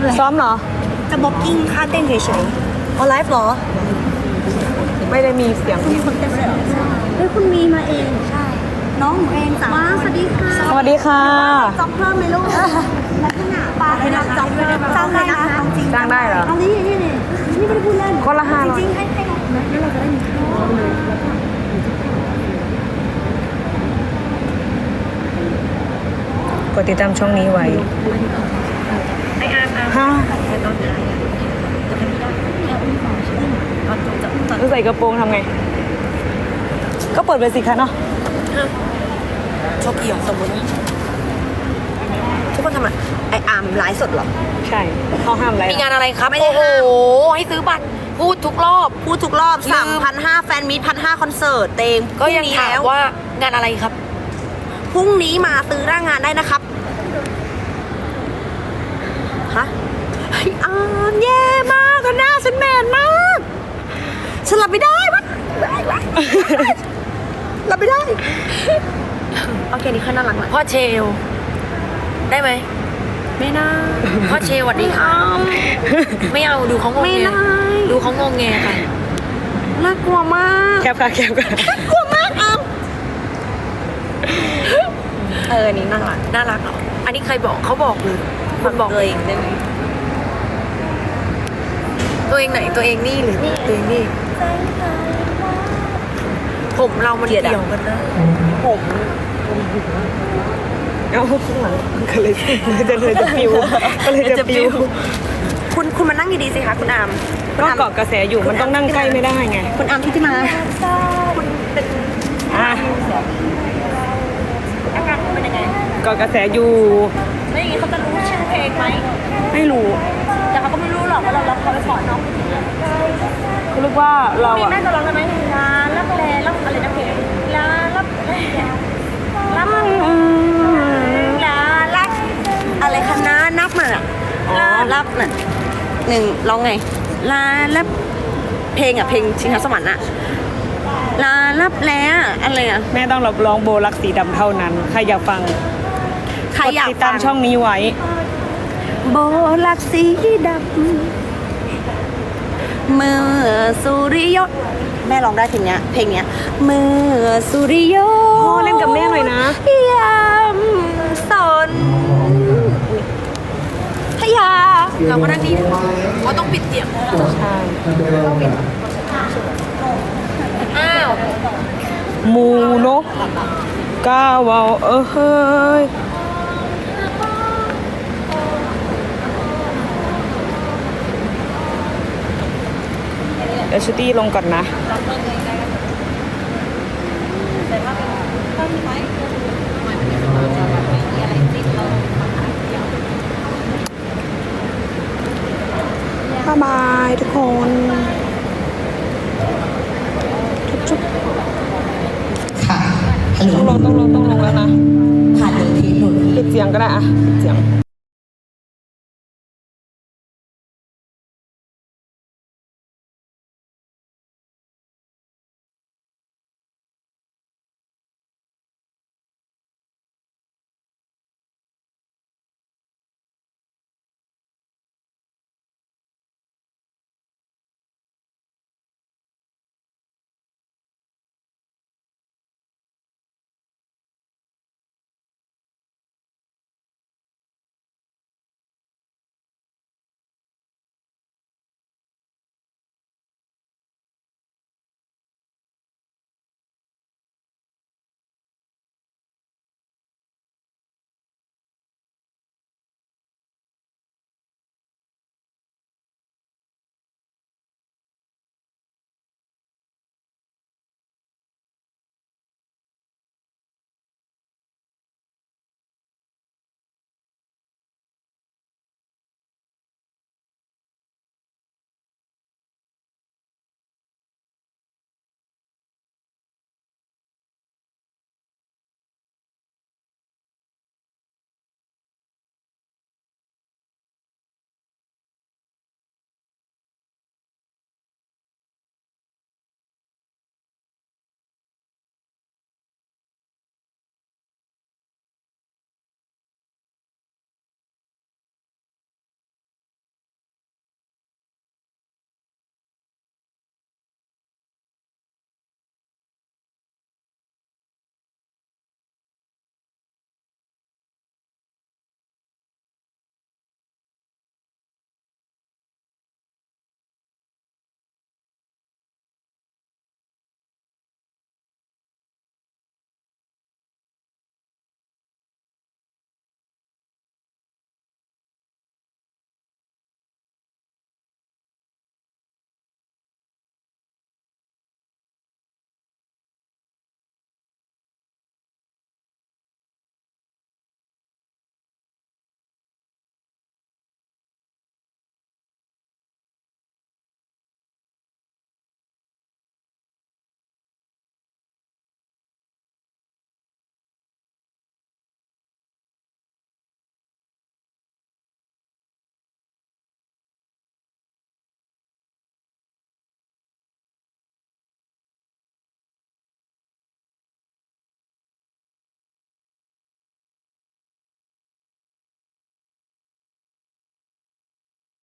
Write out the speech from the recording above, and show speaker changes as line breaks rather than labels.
ำอะไร
ซ้อมเหรอ
จะบ็อกกิ้งค่าเต้นเฉยๆเอาไลฟ์เหรอ
ไม่ได้มีเสียง
มีคนเต้นด้วยเหรอเฮ้ยคุณมีมาเองใช่น้องหนูเองจ้ะมาสวัสดีค่ะ
สวัสดีค่ะ
จองเพิ่มไหมลูกลักษณะปลาให้รับจองเพิ่มจ้างได้นะจริง
จ้างได้เหรอ
เอานี่นี่นี่ไม่ได้พูดเล่น
คนละ500
จริงๆให้น้องนะแล้วเราจะได้มีข้าวเลย
กดติดตามช่องนี้ไว้ฮะต้องใส่กระโปรงทำไง ก็เปิดไปสิคะเนาะ
โชคเกี่ยวสมมติทุกคนทำอะไรไออาร์มไลฟ์สดเหรอ
ใช่เขาห้ามอะไร
มีงานอะไรครับ
ไม่ได้
โอ้โห
ห้าม
ให้ซื้อบัตรพูดทุกรอบ
พูดทุกรอบ
ลืม
3,500แฟนมิตร1,500คอนเสิร์ตเต็ม
ก็ยัง
พรุ่นี้
ถาม
แล้ว
ว่างานอะไรครับ
พรุ่งนี้มาซื้อหน้างานได้นะครับฮะไออาร์มแย่มากอะหน้าฉันแมนมากฉันรับไม่ได้วะรับไม่ได้โอเคนี่แค่น่ารักนะ
พ่อเชล ได้ไหม
ไม่ได้
พ่อเชลสวัสดีค่ะไม่เอาดูเขางง
ไม่
แง
ได้
ดูเขางงแงค่ะ
น่ากลัวมาก
แคบค่ะแคบค่ะ
กลัวมากอาร์มอันนี้น่ารัก
น่ารักเหรออันนี้ใครบอกเขาบอกหรือคุณบอก
ตัวเองได้ไหม
ตัวเองไหนตัวเองนี่หรือตัวเองนี่ผมเรามันเกี่ยวกันนะ
ผม
เอ้าข้างหลังก็เลยจะปิวก็เลยจะปิว
คุณมานั่งดีๆสิคะคุณอาร์มคุณ
ก็
อาร์ม
เกาะกระแสอยู่มันต้องนั่งใกล้ไม่ได้ไง
คุณอาร์มที่มาคุณเป็น
อ่ะ
อาการคุณเป็นยังไง
เกาะกระแสอยู่
แล้วอย่างนี้เขาจะรู้ชื่อเพลงไหม
ไม่รู้
แต่เขาก็ไม่รู้หรอกว่าเราเขาไปสอนน้อง
เขาเรียกว่าเรา
มี
อะ
แม่จะร้องได้ไหมลาลับแลลับอะไรนะเพลงลาลับแลลับลาลับอะไรคะน้านับมาอะลาลับน่ะหนึ่งร้องไงลาลับเพลงอะเพลงชิงช้าสวรรค์อะลาลับแลอะไรอะ
แม่ต้องรับร้องโบลักสีดำเท่านั้นใครอยากฟัง
ใครอยาก
ติดตามช่องนี้ไว้
โบลักสีดำเมื่อสุริยนต์แม่ร้องได้เพลงเนี้ยเมื่อสุริยนต์
พ่อเล่นกับแม่หน่อยนะ
ยามสนพยา
เราก็นั่งดีว่าต้องปิดเสียง
ใช่
อ้าว
มูนกกาวาวเฮ้ยเดี๋ยวชุตี้ลงก่อนนะบ๊ายบายทุกคนจุ๊บ
ค่ะฮัลโหล
ต้องลงแล้วนะ
ผ่านหนึ่งทีหนึ่งที
ปิดเสียงก็ได้อะ